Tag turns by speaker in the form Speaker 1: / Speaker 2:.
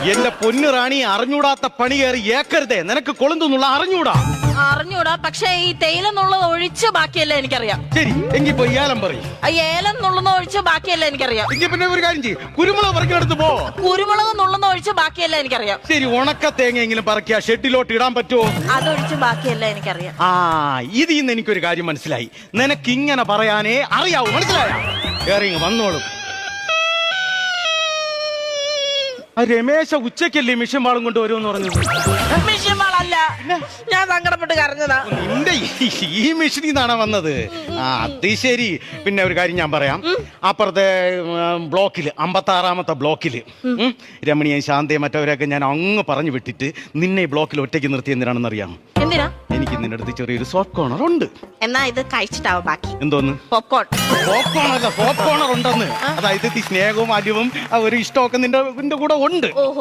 Speaker 1: എന്റെ പൊന്നു റാണി, അറിഞ്ഞൂടാത്ത പണി കയറി ഏക്കരുതേ. നിനക്ക് കൊളുന്തെന്നുള്ള
Speaker 2: അറിഞ്ഞൂടാ, പക്ഷെ ഈ തേയില എന്നുള്ളത് ഒഴിച്ച് ബാക്കിയല്ല എനിക്കറിയാം.
Speaker 1: ശരി, എങ്കിൽ പോയി ഏലം പറയും.
Speaker 2: ഏലം നുള്ളുന്ന ഒഴിച്ച് ബാക്കിയല്ല എനിക്കറിയാം.
Speaker 1: എങ്കിൽ പിന്നെ ഒരു കാര്യം ചെയ്യും, കുരുമുളക് പറിക്കെടുത്ത് പോ.
Speaker 2: കുരുമുളക് നുള്ളുന്ന ഒഴിച്ച് ബാക്കിയല്ല എനിക്കറിയാം.
Speaker 1: ശരി, ഉണക്ക തേങ്ങയെങ്കിലും പറക്കിയ ഷെഡിലോട്ട് ഇടാൻ പറ്റുമോ?
Speaker 2: അതൊഴിച്ച് ബാക്കിയല്ല എനിക്കറിയാം.
Speaker 1: ഇതിൽ നിന്ന് എനിക്കൊരു കാര്യം മനസ്സിലായി. നിനക്ക് ഇങ്ങനെ പറയാനേ അറിയാവൂ, മനസ്സിലായ? കേറി വന്നോളും. രമേശ ഉച്ചക്കല്ലേ മിഷൻ വാളും കൊണ്ട് വരുമെന്ന് പറഞ്ഞത്?
Speaker 2: മിഷൻ വാളല്ല, ഞാൻ സങ്കടപ്പെട്ട് കരഞ്ഞതാ.
Speaker 1: നിന്റെ ഈ മിഷനിൽ നിന്നാണ് വന്നത്? അത് ശരി. പിന്നെ ഒരു കാര്യം ഞാൻ പറയാം. അപ്പുറത്തെ ബ്ലോക്കില് 56-ാമത്തെ ബ്ലോക്കില് രമണിയും ശാന്തയും മറ്റവരെയൊക്കെ ഞാൻ അങ്ങ് പറഞ്ഞു വിട്ടിട്ട് നിന്നെ ഈ ബ്ലോക്കിൽ ഒറ്റയ്ക്ക് നിർത്തി എന്തിനാണെന്ന് അറിയാം?
Speaker 2: എന്തിനാ?
Speaker 1: എനിക്ക് നിന്റെ അടുത്ത് ചെറിയൊരു സോഫ്റ്റ് കോർണർ ഉണ്ട്.
Speaker 2: എന്നാ ഇത് കഴിച്ചിട്ടാവും ബാക്കി.
Speaker 1: എന്തോന്ന്?
Speaker 2: പോപ്കോൺ.
Speaker 1: സോഫ്റ്റ് കോർണർ ഉണ്ടെന്ന്. അതായത് ഈ സ്നേഹവും അലിവും ഒരു ഇഷ്ടമൊക്കെ നിന്റെ കൂടെ ഉണ്ട്.